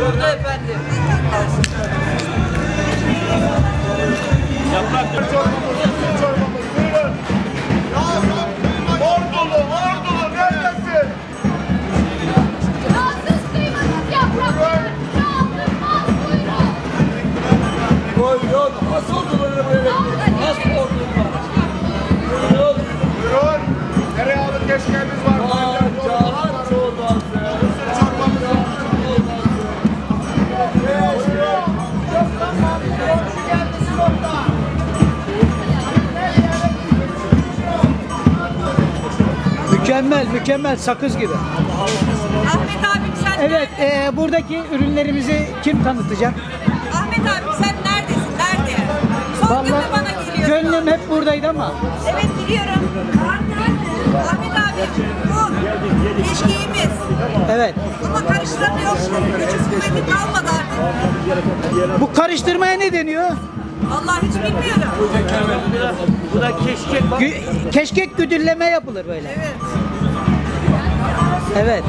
Burada efendim. Yaprak çorbamız. Buyurun. Ordulu neredesin? Yağsız kıymasız yapraklar. Yağsızmaz buyurun. Buyurun. Az orduları böyle. Az ordular. Buyurun. Buyurun. Tereyağlı keşkemiz var. Pancar çorbası. Mısır çorbamız var. Mükemmel sakız gibi. Ahmet abim sen Evet, buradaki ürünlerimizi kim tanıtacak? Ahmet abim sen neredesin? Nerede? Son gün mü bana geliyorsun? Gönlüm hep buradaydı ama. Evet biliyorum. Ahmet abi bu keşkeğimiz. Evet. Ama karıştıramıyor. Küçük kuvveti kalmadı artık. Bu karıştırmaya ne deniyor? Vallahi hiç bilmiyorum. Bu da keşkek bak. Keşkek güdülleme yapılır böyle. Evet. Evet.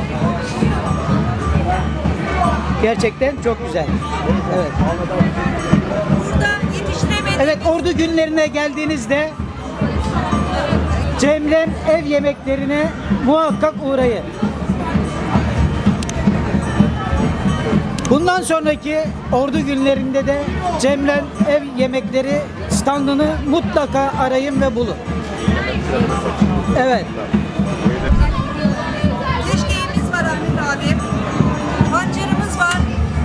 Gerçekten çok güzel. Evet. Burada yetiştiremediğimiz Evet, Ordu günlerine geldiğinizde Cemrem ev yemeklerine muhakkak uğrayın. Bundan sonraki Ordu günlerinde de Cemrem ev yemekleri standını mutlaka arayın ve bulun. Evet. keşkeğimiz var Ahmet abi. Pancarımız var.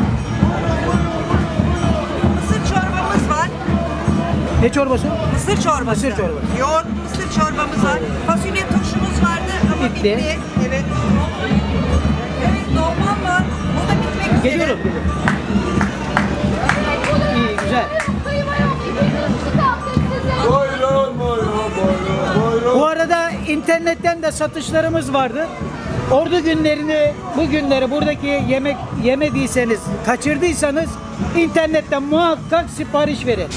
Mısır çorbamız var. Ne çorbası? Mısır çorbası. Mısır çorbası. Yoğurt mısır çorbamız var. Fasulye turşumuz vardı ama Bitti. bitti. Evet. Evet dolmam var. O da bitmek üzere. Geliyorum. İyi, güzel. Kıyma yok. İki kaldık size. Bu arada internetten de satışlarımız vardı. Ordu günlerini, bu günleri buradaki yemek yemediyseniz, kaçırdıysanız internetten muhakkak sipariş verin.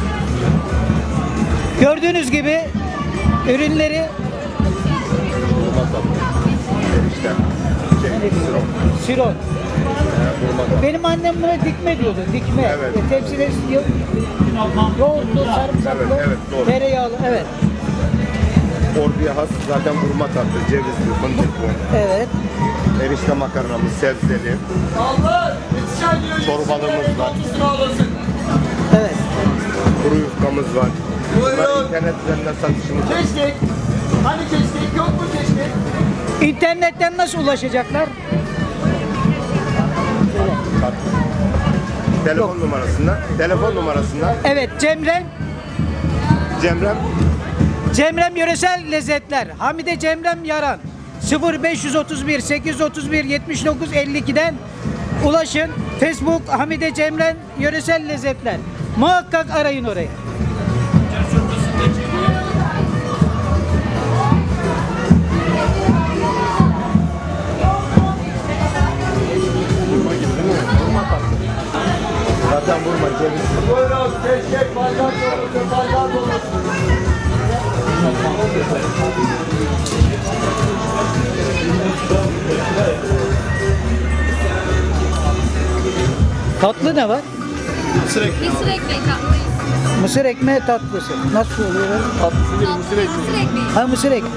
Gördüğünüz gibi ürünleri siron. Benim annem buna dikme diyordu. Dikme. Evet. Tepside yoğurtlu, sarımsaklı, Evet, doğru. tereyağlı. Evet. Orduya has zaten vurma tatlı, cevizli, fındıklı. Evet. Erişte makarnamız, sebzeli. Çorbalığımız var. Evet. Kuru yufkamız var. Bunlar internet üzerinden satışımız var. Keşkek. Hani keşkek yok mu keşkek? İnternetten nasıl ulaşacaklar? Telefon numarasından. Telefon numarasından. Evet, Cemrem Cemrem Yöresel Lezzetler. Hamide Cemrem Yaran. 0531 831 79 52'den ulaşın. Facebook Hamide Cemrem Yöresel Lezzetler. Muhakkak arayın orayı. zaten vurma cevizli. Buyurun keşkek pancar çorbası, pancar dolması. Tatlı ne var? Mısır ekmeği tatlıyız. Mısır ekmeği tatlısı. Nasıl oluyor? Mısır ekmeği. Ha, mısır ekmeği.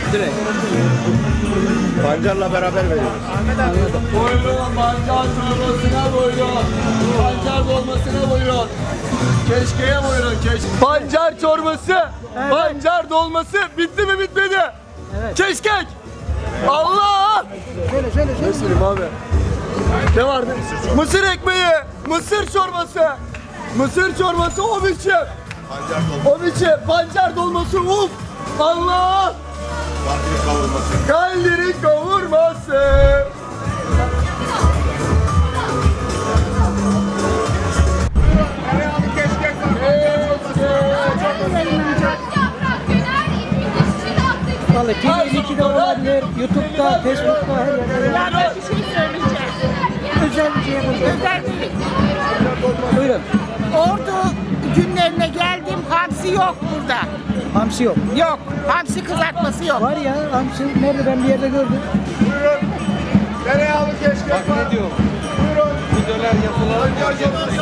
Pancarla beraber veriyoruz. Buyurun pancar çorbasına buyurun. Pancar dolmasına buyurun. Keşkeye buyurun Pancar çorbası, Evet. pancar dolması bitti mi bitmedi? Evet. Keşkek. Allah! Söyle. Ne söyleyeyim abi? Ne vardı? Mısır ekmeği, mısır çorbası. Mısır çorbası o biçim. Pancar dolması, O biçim. Pancar dolması uf. Allah! kandili kavurması. Kaldiri kavurması. Tereyağlı keşkek var. Yaprak döner, içi tatlı. Vallahi TV2'de olabilir, YouTube'da, Facebook'ta, her yerde. Ya bir şey söyleyeceğim. Özel bir şey yapacağız. Özel değil. Buyurun. Ordu günlerine geldim. Hamsi yok burada. Hamsi yok. Yok. Hamsi kızartması yok. Var ya, hamsi nerede, ben bir yerde gördüm. Buyurun. Tereyağlı keşkek var. Ne diyor? Buyurun. Pancar çorbası.